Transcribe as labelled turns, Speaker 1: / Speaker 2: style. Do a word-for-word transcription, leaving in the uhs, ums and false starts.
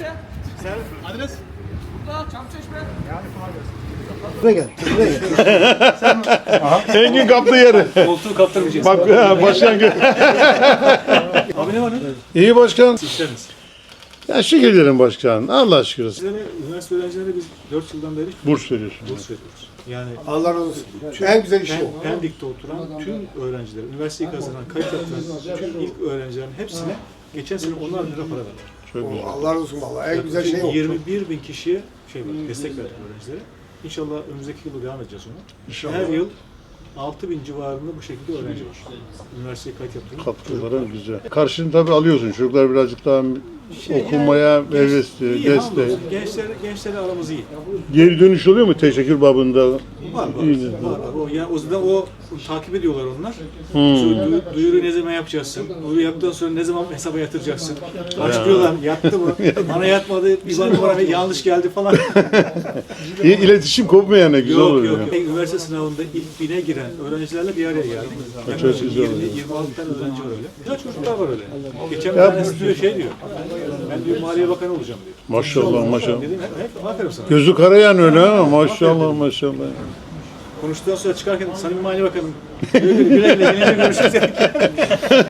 Speaker 1: Sen adres? Burada Çamçeşme.
Speaker 2: Buraya gel. Buraya gel.
Speaker 3: Engin kaptı yeri.
Speaker 1: Koltuğu kaptırmayacağız.
Speaker 3: Bak ha, başkan gö-
Speaker 1: Abi ne var ne?
Speaker 3: İyi başkan.
Speaker 1: İşleriniz.
Speaker 3: Ya şükür ederim başkan. Allah şükür.
Speaker 1: Sizlere, üniversite öğrencilerine biz dört yıldan beri
Speaker 3: Burs veriyorsun.
Speaker 1: burs veriyoruz. Yani
Speaker 2: Allah razı olsun. En güzel iş
Speaker 1: Pen,
Speaker 2: o.
Speaker 1: Pendik'te oturan tüm öğrenciler, üniversiteyi kazanan, kayıt yaptıran tüm ilk öğrencilerin hepsine geçen sene onar lira para verdik.
Speaker 3: Çok güzel.
Speaker 2: Allah razı olsun vallahi. En güzel şey o.
Speaker 1: yirmi bir bin kişiye şey var, destek verdik öğrencilere. İnşallah önümüzdeki yılda devam edeceğiz ona.
Speaker 3: İnşallah.
Speaker 1: Her yıl altı bin civarında bu şekilde öğrenci var. Üniversiteye kayıt yaptıran.
Speaker 3: Katkıların güzel. Karşını tabii alıyorsun. Çocuklar birazcık daha
Speaker 1: Şey,
Speaker 3: okumaya
Speaker 1: yani genç-
Speaker 3: hevesli,
Speaker 1: iyi,
Speaker 3: destek.
Speaker 1: hamdolsun. Gençler, gençlerle aramız iyi.
Speaker 3: Geri dönüş oluyor mu teşekkür babında?
Speaker 1: Var var.
Speaker 3: İyi.
Speaker 1: var, var. O, yani o yüzden o takip ediyorlar onlar.
Speaker 3: Hmm.
Speaker 1: Sonra du- duyuru ne zaman yapacaksın? Duyuru yaptıktan sonra ne zaman hesaba yatıracaksın? Açıklıyorlar. Yattı mı? Bana yatmadı. Bir bana bana yanlış geldi falan.
Speaker 3: İyi, İletişim kopmayan ne güzel
Speaker 1: yok
Speaker 3: oluyor.
Speaker 1: yok. Üniversite sınavında ilk bine giren öğrencilerle bir araya geldik.
Speaker 3: Çok
Speaker 1: Yaklaşık
Speaker 3: güzel
Speaker 1: yirmi
Speaker 3: oluyor.
Speaker 1: yirmi altı tane öğrenci var öyle. Güzel çocuklar var öyle. Geçen bir
Speaker 3: Ya-
Speaker 1: tanesi diyor şey diyor. Ben diyor Maliye Bakanı olacağım diyor.
Speaker 3: Maşallah maşallah.
Speaker 1: Dedim hep, hep aferin sana.
Speaker 3: Gözü karayan öyle ha. Maşallah maşallah.
Speaker 1: Konuştuktan sonra çıkarken Samimi Maliye Bakanım. Güle güle güle güle görüşürüz.